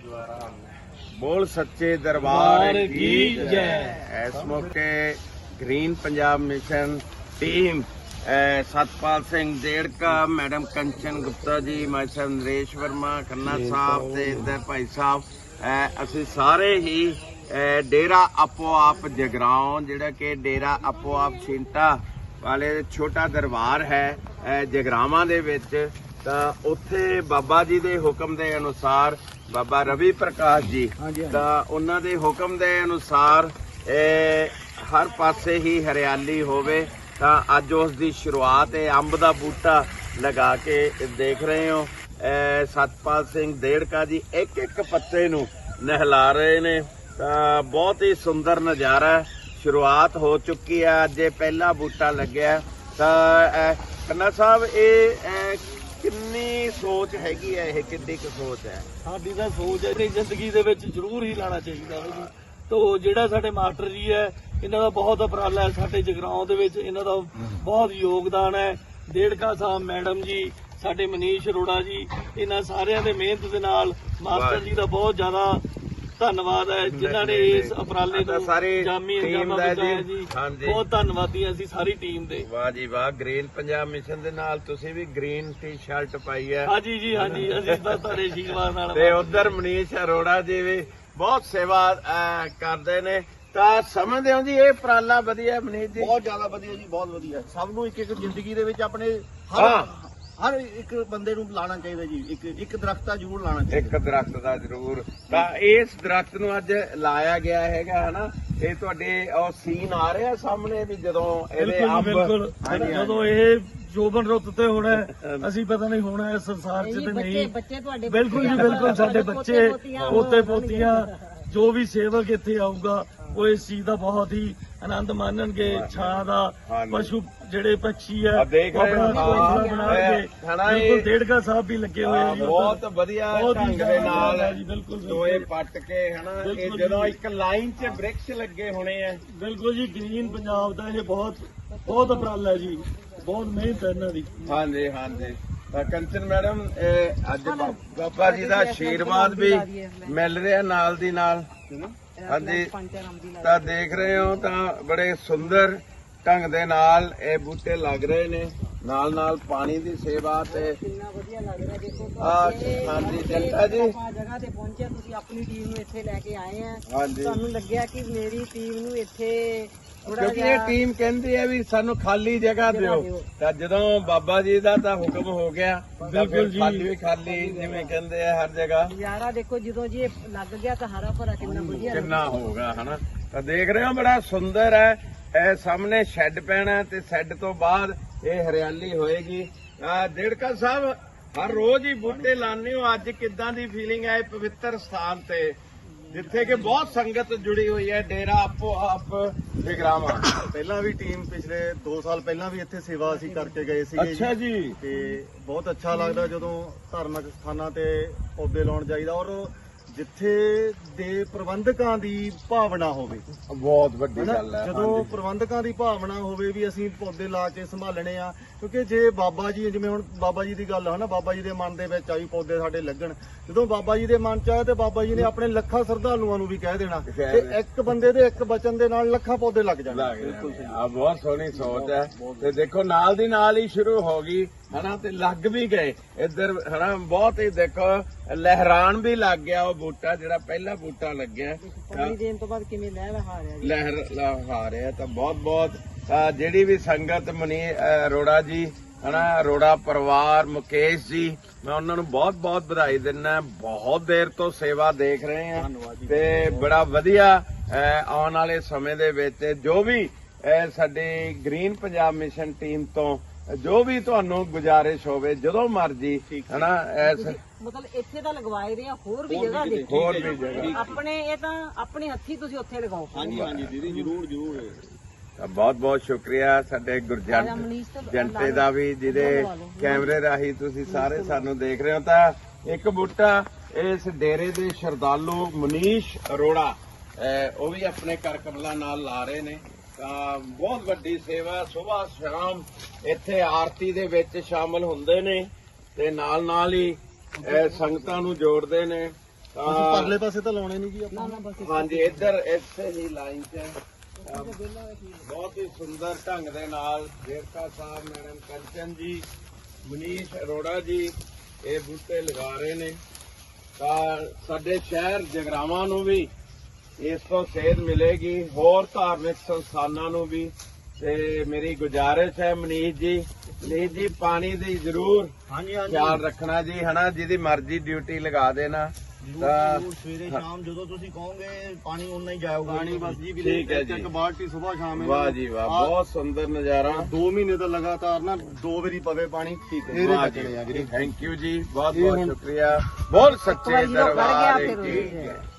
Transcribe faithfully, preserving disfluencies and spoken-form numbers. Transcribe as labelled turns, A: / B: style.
A: बोल सच्चे दरबार की जय। इस मौके green Punjab mission team Satpal Singh Dedka, madam Kanchan Gupta ji, माई साहब नरेश वर्मा, खन्ना साहब ते इधर भाई साहब असी सारे ही डेरा आपो आप जगराओं जिहड़ा कि डेरा आपो आप छिंटा वाले छोटा दरबार है जगरावां दे विच, तां उत्थे बाबा जी दे हुक्म दे अनुसार बाबा रवि प्रकाश जी तां उन्हां दे हुक्म दे अनुसार हर पासे ही हरियाली होवे तां अज उस दी शुरुआत है अंब दा बूटा लगा के देख रहे हो। सतपाल सिंह देड़का जी एक एक पत्ते नूं नहला रहे ने, तां बहुत ही सुंदर नज़ारा शुरुआत हो चुकी है। अज पहला बूटा लग्या तां खन्ना साहब ये किन्नी सोच हैगी है, ये किड्डी क सोच है?
B: साडी तां सोच है कि जिंदगी दे विच जरूर ही लाना चाहिए है। तो जिहड़ा साडे मास्टर जी है इन्हां दा बहुत उपराला है, साडे जगराओं दे विच इन्हां दा बहुत योगदान है। देड़का साहब मैडम जी, साडे मनीष अरोड़ा जी, इन्हां सारिਆਂ ਦੇ ਮਿਹਨਤ ਦੇ ਨਾਲ ਮਾਸਟਰ ਜੀ ਦਾ ਬਹੁਤ ਜ਼ਿਆਦਾ ਧੰਨਵਾਦ ਹੈ ਜਿਨ੍ਹਾਂ ਨੇ ਇਸ ਉਪਰਾਲੇ ਨੂੰ ਜਾਮੀ ਅੰਜਾਮ ਪਹੁੰਚਾਇਆ ਜੀ। ਬਹੁਤ ਧੰਨਵਾਦੀ ਹਾਂ ਅਸੀਂ ਸਾਰੀ ਟੀਮ ਦੇ।
A: ਵਾਹ ਜੀ ਵਾਹ। ਗ੍ਰੀਨ ਪੰਜਾਬ ਮਿਸ਼ਨ ਦੇ ਨਾਲ ਤੁਸੀਂ ਵੀ ਗ੍ਰੀਨ ਟੀ ਸ਼ਰਟ ਪਾਈ ਹੈ।
B: ਹਾਂਜੀ ਜੀ ਹਾਂਜੀ, ਅਸੀਂ ਤਾਂ ਤੁਹਾਡੇ ਆਸ਼ੀਰਵਾਦ ਨਾਲ।
A: ਤੇ ਉਧਰ ਮਨੀਸ਼ ਅਰੋੜਾ ਜੀ ਵੀ ਬਹੁਤ ਸੇਵਾ ਕਰਦੇ ਨੇ, ਤਾਂ ਸਮਝਦੇ ਹੋ ਜੀ ਇਹ ਉਪਰਾਲਾ ਵਧੀਆ ਮਨੀਸ਼ ਜੀ?
C: ਬਹੁਤ ਜ਼ਿਆਦਾ ਵਧੀਆ ਜੀ, ਬਹੁਤ ਵਧੀਆ। ਸਭ ਨੂੰ ਇੱਕ ਇੱਕ ਜ਼ਿੰਦਗੀ ਦੇ ਵਿੱਚ ਆਪਣੇ ਹਰ ਹਰ ਇੱਕ ਬੰਦੇ ਨੂੰ ਲਾਣਾ ਚਾਹੀਦਾ ਜੀ। ਇੱਕ ਇੱਕ ਦਰਖਤ ਤਾਂ ਜ਼ਰੂਰ ਲਾਣਾ ਚਾਹੀਦਾ,
A: ਇੱਕ ਦਰਖਤ ਦਾ ਜ਼ਰੂਰ। ਤਾਂ ਇਸ ਦਰਖਤ ਨੂੰ ਅੱਜ ਲਾਇਆ ਗਿਆ ਹੈਗਾ ਹਨਾ। ਇਹ ਤੁਹਾਡੇ ਉਹ ਸੀਨ ਆ ਰਿਹਾ ਸਾਹਮਣੇ ਵੀ ਜਦੋਂ ਇਹਦੇ ਅੰਬ
B: ਜਦੋਂ ਇਹ ਜੋਬਨ ਰੁੱਤ ਤੇ ਹੋਣਾ ਅਸੀਂ ਪਤਾ ਨਹੀਂ ਹੋਣਾ ਇਸ ਸੰਸਾਰ 'ਚ ਤੇ ਨਹੀਂ। ਬਿਲਕੁਲ ਜੀ ਬਿਲਕੁਲ, ਸਾਡੇ ਬੱਚੇ ਪੋਤੇ ਪੋਤੀਆਂ ਜੋ ਵੀ ਸੇਵਕ ਇੱਥੇ ਆਊਗਾ ਉਹ ਇਸ ਚੀਜ਼ ਦਾ ਬਹੁਤ ਹੀ ਆਨੰਦ ਮਾਣਨਗੇ। ਛਾਂ ਦਾ ਪਸ਼ੂ ਜਿਹੜੇ ਪੰਛੀ ਹੈ ਆਪਣਾ ਘੋਂਸਲਾ ਬਣਾਉਣਗੇ। ਬਿਲਕੁਲ ਦੇੜਕਾ ਸਾਹਿਬ ਵੀ ਲੱਗੇ ਹੋਏ ਆ ਜੀ,
A: ਬਹੁਤ ਵਧੀਆ ਢੰਗ ਦੇ ਨਾਲ
B: ਬਿਲਕੁਲ
A: ਟੋਏ ਪੱਟ ਕੇ ਹਨਾ। ਇਹ ਜਦੋਂ ਇੱਕ ਲਾਈਨ 'ਚ ਬ੍ਰਿਕਸ਼ ਲੱਗੇ ਹੋਣੇ ਆ।
B: ਬਿਲਕੁਲ ਜੀ, ਗ੍ਰੀਨ ਪੰਜਾਬ ਦਾ ਇਹ ਬਹੁਤ ਬਹੁਤ ਉਪਰਾਲਾ ਹੈ ਜੀ, ਬਹੁਤ ਮਿਹਨਤ ਹੈ ਇਹਨਾਂ ਦੀ।
A: ਹਾਂਜੀ ਹਾਂਜੀ। ਤਾਂ ਕੰਚਨ ਮੈਡਮ ਅੱਜ ਬਾਬਾ ਜੀ ਦਾ ਆਸ਼ੀਰਵਾਦ ਵੀ ਮਿਲ ਰਿਹਾ ਨਾਲ ਦੀ ਨਾਲ। ਹਾਂਜੀ, ਤਾਂ ਦੇਖ ਰਹੇ ਹੋ ਤਾਂ ਬੜੇ ਸੁੰਦਰ ਢੰਗ ਦੇ ਨਾਲ ਇਹ ਬੂਟੇ ਲੱਗ ਰਹੇ ਨੇ, ਨਾਲ ਨਾਲ ਪਾਣੀ ਦੀ ਸੇਵਾ ਤੇ
D: ਕਿੰਨਾ ਵਧੀਆ ਲੱਗ ਰਿਹਾ। ਦੇਖੋ
A: ਹਾਂਜੀ ਜਨਤਾ ਜੀ
D: ਜਗ੍ਹਾ ਤੇ ਪਹੁੰਚੇ, ਤੁਸੀਂ ਆਪਣੀ ਟੀਮ ਨੂੰ ਇੱਥੇ ਲੈ ਕੇ ਆਏ ਆ।
A: ਹਾਂਜੀ,
D: ਤੁਹਾਨੂੰ ਲੱਗਿਆ ਕਿ ਮੇਰੀ ਟੀਮ ਨੂੰ ਇੱਥੇ
A: ਕਿਉਂਕਿ ਇਹ ਟੀਮ ਕਹਿੰਦੀ ਹੈ ਵੀ ਸਾਨੂੰ ਖਾਲੀ ਜਗ੍ਹਾ ਦਿਓ, ਤਾਂ ਜਦੋਂ ਬਾਬਾ ਜੀ ਦਾ ਤਾਂ ਹੁਕਮ ਹੋ ਗਿਆ ਬਿਲਕੁਲ ਜੀ, ਖਾਲੀ ਵੀ ਖਾਲੀ ਜਿਵੇਂ ਕਹਿੰਦੇ ਆ ਹਰ ਜਗ੍ਹਾ।
D: ਨਜ਼ਾਰਾ ਦੇਖੋ ਜਦੋਂ ਜੀ ਇਹ ਲੱਗ ਗਿਆ ਤਾਂ ਹਰਾ ਭਰਾ ਕਿੰਨਾ ਵਧੀਆ
A: ਕਿੰਨਾ ਹੋਊਗਾ ਹਨਾ। ਤਾਂ ਦੇਖ ਰਹੇ ਹੋ ਬੜਾ ਸੁੰਦਰ ਹੈ। ਇਹ ਸਾਹਮਣੇ ਸ਼ੈੱਡ ਪੈਣਾ ਤੇ ਸ਼ੈੱਡ ਤੋਂ ਬਾਅਦ ਇਹ ਹਰਿਆਲੀ ਹੋਏਗੀ। ਦੇੜਕਾ ਸਾਹਿਬ ਹਰ ਰੋਜ਼ ਹੀ ਬੂਟੇ ਲਾਉਂਦੇ ਹੋ, ਅੱਜ ਕਿੱਦਾਂ ਦੀ ਫੀਲਿੰਗ ਹੈ ਪਵਿੱਤਰ ਸਥਾਨ ਤੇ ਜਿੱਥੇ ਕਿ ਬਹੁਤ ਸੰਗਤ ਜੁੜੀ ਹੋਈ ਹੈ? ਡੇਰਾ ਆਪੋ ਆਪ ਜਗਰਾਵਾਂ
C: ਪਹਿਲਾਂ ਵੀ ਟੀਮ ਪਿਛਲੇ ਦੋ ਸਾਲ ਪਹਿਲਾਂ ਵੀ ਇੱਥੇ ਸੇਵਾ ਅਸੀਂ ਕਰਕੇ ਗਏ ਸੀਗੇ।
A: ਅੱਛਾ ਜੀ।
C: ਤੇ ਬਹੁਤ ਅੱਛਾ ਲੱਗਦਾ ਜਦੋਂ ਧਾਰਮਿਕ ਸਥਾਨਾਂ ਤੇ ਪੌਦੇ ਲਾਉਣ ਜਾਈਦਾ, ਔਰ ਜਿੱਥੇ ਦੇ ਪ੍ਰਬੰਧਕਾਂ ਦੀ ਭਾਵਨਾ ਹੋਵੇ।
A: ਬਹੁਤ ਵੱਡੀ ਗੱਲ ਹੈ
C: ਜਦੋਂ ਪ੍ਰਬੰਧਕਾਂ ਦੀ ਭਾਵਨਾ ਹੋਵੇ ਵੀ ਅਸੀਂ ਪੌਦੇ ਲਾ ਕੇ ਸੰਭਾਲਣੇ ਆ। ਕਿਉਂਕਿ ਜੇ ਬਾਬਾ ਜੀ, ਜਿਵੇਂ ਹੁਣ ਬਾਬਾ ਜੀ ਦੀ ਗੱਲ ਹੈ ਨਾ, ਬਾਬਾ ਜੀ ਦੇ ਮਨ ਦੇ ਵਿੱਚ ਆਈ ਪੌਦੇ ਸਾਡੇ ਲੱਗਣ, ਜਦੋਂ ਬਾਬਾ ਜੀ ਦੇ ਮਨ ਚ ਆਇਆ ਤੇ ਬਾਬਾ ਜੀ ਨੇ ਆਪਣੇ ਲੱਖਾਂ ਸ਼ਰਧਾਲੂਆਂ ਨੂੰ ਵੀ ਕਹਿ ਦੇਣਾ ਤੇ ਇੱਕ ਬੰਦੇ ਦੇ ਇੱਕ ਬਚਨ ਦੇ ਨਾਲ ਲੱਖਾਂ ਪੌਦੇ ਲੱਗ ਜਾਣੇ।
A: ਆ ਬਹੁਤ ਸੋਹਣੀ ਸੋਚ ਹੈ। ਤੇ ਦੇਖੋ ਨਾਲ ਦੀ ਨਾਲ ਹੀ ਸ਼ੁਰੂ ਹੋ ਗਈ ਹਨਾ, ਤੇ ਲੱਗ ਵੀ ਗਏ ਇੱਧਰ ਹਨਾ। ਬਹੁਤ ਹੀ ਦੇਖੋ ਲਹਿਰਾਨ ਵੀ ਲੱਗ ਗਿਆ ਉਹ ਬੂਟਾ ਜਿਹੜਾ ਪਹਿਲਾ ਬੂਟਾ ਲੱਗਿਆ।
D: ਪਾਣੀ ਦੇਣ ਤੋਂ ਬਾਅਦ ਕਿਵੇਂ ਲਹਿਰ ਲਹਾ ਰਿਹਾ ਜੀ,
A: ਲਹਿਰ ਲਹਾ ਰਿਹਾ। ਤਾਂ ਬਹੁਤ ਬਹੁਤ ਜਿਹੜੀ ਵੀ ਸੰਗਤ ਮਨੀ ਅਰੋੜਾ ਜੀ ਹਨਾ, ਅਰੋੜਾ ਪਰਿਵਾਰ, ਮੁਕੇਸ਼ ਜੀ, ਮੈਂ ਉਹਨਾਂ ਨੂੰ ਬਹੁਤ ਬਹੁਤ ਵਧਾਈ ਦਿੰਦਾ। ਬਹੁਤ ਦੇਰ ਤੋਂ ਸੇਵਾ ਦੇਖ ਰਹੇ ਆ ਤੇ ਬੜਾ ਵਧੀਆ ਆਉਣ ਵਾਲੇ ਸਮੇਂ ਦੇ ਵਿੱਚ ਜੋ ਵੀ ਸਾਡੀ ਗ੍ਰੀਨ ਪੰਜਾਬ ਮਿਸ਼ਨ ਟੀਮ ਤੋਂ ਜੋ ਵੀ ਤੁਹਾਨੂੰ ਗੁਜ਼ਾਰਿਸ਼ ਹੋਵੇ ਜਦੋਂ ਮਰਜੀ ਹਨਾ।
D: ਮਤਲਬ ਇੱਥੇ ਤਾਂ ਲਗਵਾਏ ਰਹੇ ਆ, ਹੋਰ ਵੀ ਜਗ੍ਹਾ ਦੇਖੋ,
A: ਹੋਰ ਵੀ ਜਗ੍ਹਾ
D: ਆਪਣੇ ਇਹ ਤਾਂ ਆਪਣੇ ਹੱਥੀ ਤੁਸੀਂ ਉੱਥੇ ਲਗਾਓ।
C: ਹਾਂਜੀ ਹਾਂਜੀ ਦੀਦੀ, ਜਰੂਰ ਜਰੂਰ।
A: ਬਹੁਤ ਬਹੁਤ ਸ਼ੁਕਰੀਆ ਸਾਡੇ ਗੁਰਜੰਟ ਜੰਟੇ ਦਾ ਵੀ, ਜਿਹਦੇ ਕੈਮਰੇ ਰਾਹੀਂ ਤੁਸੀਂ ਸਾਰੇ ਸਾਨੂੰ ਦੇਖ ਰਹੇ ਹੋ। ਤਾਂ ਇੱਕ ਬੂਟਾ ਇਸ ਡੇਰੇ ਦੇ ਸ਼ਰਧਾਲੂ ਮਨੀਸ਼ ਅਰੋੜਾ ਉਹ ਵੀ ਆਪਣੇ ਕਰ ਕਮਲਾਂ ਨਾਲ ਲਾ ਰਹੇ ਨੇ। ਤਾਂ ਬਹੁਤ ਵੱਡੀ ਸੇਵਾ, ਸੁਬਾਹ ਸ਼ਾਮ ਇੱਥੇ ਆਰਤੀ ਦੇ ਵਿੱਚ ਸ਼ਾਮਲ ਹੁੰਦੇ ਨੇ ਤੇ ਨਾਲ ਨਾਲ ਹੀ ਸੰਗਤਾਂ ਨੂੰ ਜੋੜਦੇ ਨੇ।
C: ਅਸੀਂ ਪਰਲੇ ਪਾਸੇ ਤਾਂ ਲਾਉਣੇ ਨਹੀਂ ਜੀ ਆਪਾਂ
A: ਹਾਂਜੀ ਇੱਧਰ ਇੱਥੇ ਹੀ ਲਾਈਨ 'ਚ ਅਹ ਬਹੁਤ ਹੀ ਸੁੰਦਰ ਢੰਗ ਦੇ ਨਾਲ ਦੇਵਤਾ ਸਾਹਿਬ ਮੈਡਮ ਕੰਚਨ ਜੀ ਮਨੀਸ਼ ਅਰੋੜਾ ਜੀ ਇਹ ਬੂਟੇ ਲਗਾ ਰਹੇ ਨੇ ਤਾਂ ਸਾਡੇ ਸ਼ਹਿਰ ਜਗਰਾਵਾਂ ਨੂੰ ਵੀ ਇਸ ਤੋਂ ਸੇਧ ਮਿਲੇਗੀ, ਹੋਰ ਧਾਰਮਿਕ ਸੰਸਥਾਨਾਂ ਨੂੰ ਵੀ। ਤੇ ਮੇਰੀ ਗੁਜ਼ਾਰਿਸ਼ ਹੈ ਮਨੀਸ਼ ਜੀ ਮਨੀਸ਼ ਜੀ ਪਾਣੀ ਦੀ ਜ਼ਰੂਰ
C: ਹਾਂਜੀ
A: ਖਿਆਲ ਰੱਖਣਾ ਜੀ ਹਨਾ, ਜਿਹਦੀ ਮਰਜ਼ੀ ਡਿਊਟੀ ਲਗਾ ਦੇਣਾ ਤਾਂ
C: ਸਵੇਰੇ ਸ਼ਾਮ ਜਦੋਂ ਤੁਸੀਂ ਕਹੋਗੇ ਪਾਣੀ ਉਨਾ ਹੀ ਜਾਊਗਾ ਪਾਣੀ ਬਸ ਜੀ
A: ਠੀਕ ਹੈ ਜੀ।
C: ਇੱਕ ਬਾਲਟੀ ਸਵੇਰ ਸ਼ਾਮ ਹੈ
A: ਵਾਹ ਜੀ ਵਾਹ, ਬਹੁਤ ਸੁੰਦਰ ਨਜ਼ਾਰਾ।
C: ਦੋ ਮਹੀਨੇ ਤੋਂ ਲਗਾਤਾਰ ਨਾ ਦੋ ਵਾਰੀ ਪਵੇ ਪਾਣੀ ਠੀਕ ਹੈ
A: ਵਾਹ ਜੀ, ਥੈਂਕ ਯੂ ਜੀ, ਬਹੁਤ ਬਹੁਤ ਸ਼ੁਕਰੀਆ। ਬੋਲ ਸੱਚੇ
D: ਵਾਰੀ ਜਦੋਂ ਖੜ ਗਿਆ
A: ਦਰਬਾਰ
D: ਫਿਰ
A: ਕੀ
D: ਹੋ
A: ਜੈ।